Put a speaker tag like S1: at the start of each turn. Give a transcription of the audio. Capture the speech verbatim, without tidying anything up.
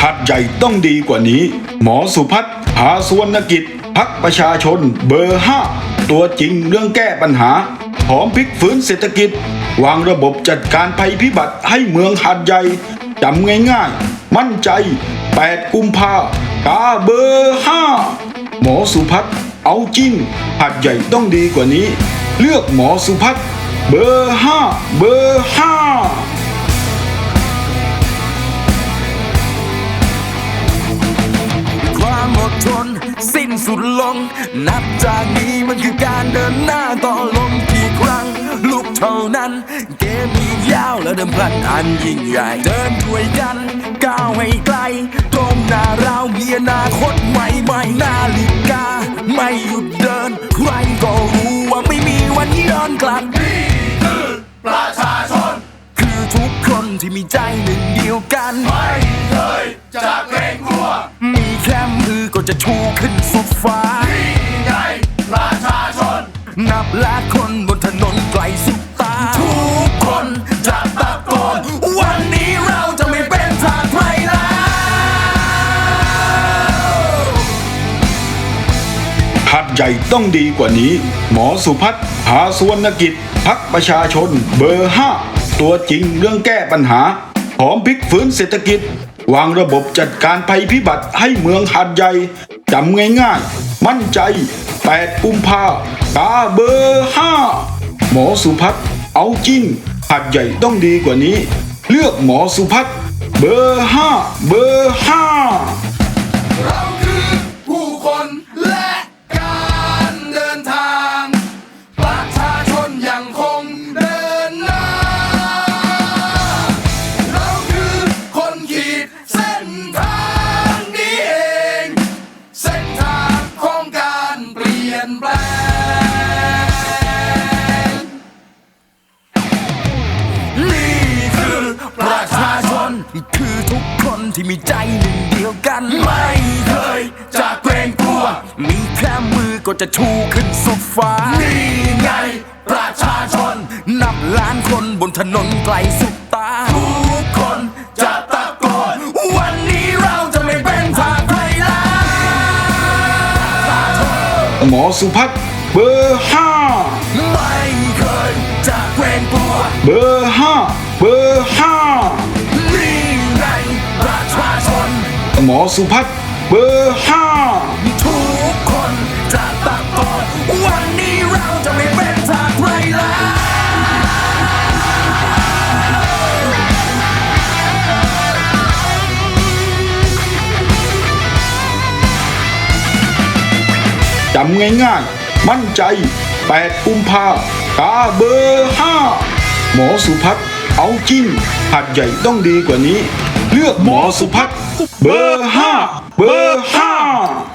S1: หาดใหญ่ต้องดีกว่านี้หมอสุพัฒน์หาสุวรรณกิจพรรคประชาชนเบอร์ห้าตัวจริงเรื่องแก้ปัญหาพร้อมพลิกฟื้นเศรษฐกิจวางระบบจัดการภัยพิบัติให้เมืองหาดใหญ่จำง่ายๆมั่นใจแปดกุมภากาเบอร์ห้าหมอสุพัฒน์เอาจริงหาดใหญ่ต้องดีกว่านี้เลือกหมอสุพัฒน์เบอร์ห้าเบอร์ห้า
S2: ความอดทนสิ้นสุดลงนับจากนี้มันคือการเดินหน้าต่อลมกี่ครั้งลุกเท่านั้นเกมมียาวและเดิมพันอันยิ่งใหญ่เดินด้วยกันก้าวให้ไกลตรงหน้าเรามีอนาคตใหม่ใหม่นาฬิกาไม่หยุดเดินใครก็รู้ว่าไม่มีวันย้อนกลับนี่คือประชาชนคือทุกคนที่มีใจหนึ่งเดียวกันไม่เคยจะเกรงกลัวมีแค่มือก็จะชูขึ้นสุดฟ้านี่ไงประชาชนนับล้านคนบนถนนไกลสุดตาทุกคนจะตะโกนวันนี้เราจะไม่เป็นทาสใครแล้ว
S1: หาดใหญ่ต้องดีกว่านี้หมอสุพัฒน์หาสุวรรณกิจพรรคประชาชนเบอร์ห้าตัวจริงเรื่องแก้ปัญหาพร้อมพลิกฟื้นเศรษฐกิจวางระบบจัดการภัยพิบัติให้เมืองหาดใหญ่จำง่ายๆมั่นใจแปดกุมภากาเบอร์ห้าหมอสุพัฒน์เอาจริงหาดใหญ่ต้องดีกว่านี้เลือกหมอสุพัฒน์เบอร์ห้าเบอร์ห้า
S2: เราคือผู้คนและการเดินทางประชาชนยังคงเดินหน้าเราคือคนขีดเส้นทางนี้เองเส้นทางของการเปลี่ยนแปลงนี่คือประชาชนคือทุกคนที่มีใจหนึ่งเดียวกันไม่เคยจะเกรงกลัวมีแค่มือก็จะชูขึ้นสุดฟ้านี่ไงประชาชนนับล้านคนบนถนนไกลสุดตาทุกคนจะตะโกนวันนี้เราจะไม่เป็นทาสใครแล้ว
S1: หมอสุพัฒน์เบอร์ห้า
S2: ไม่เคยจะเกรงกลัว
S1: เบอร์ห้าเบอร์ห้า
S2: นี่ไงประชาชน
S1: หมอสุพัฒน์เบอร์ห้า
S2: ทุกคนจะตะโกนวันนี้เราจะไม่เป็นทาสใครแล้ว
S1: จำง่ายๆมั่นใจแปดกุมภากาเบอร์ห้าหมอสุพัฒน์เอาจริงหาดใหญ่ต้องดีกว่านี้เลือกหมอสุพัฒน์เบอร์ห้าเบอร์ห้า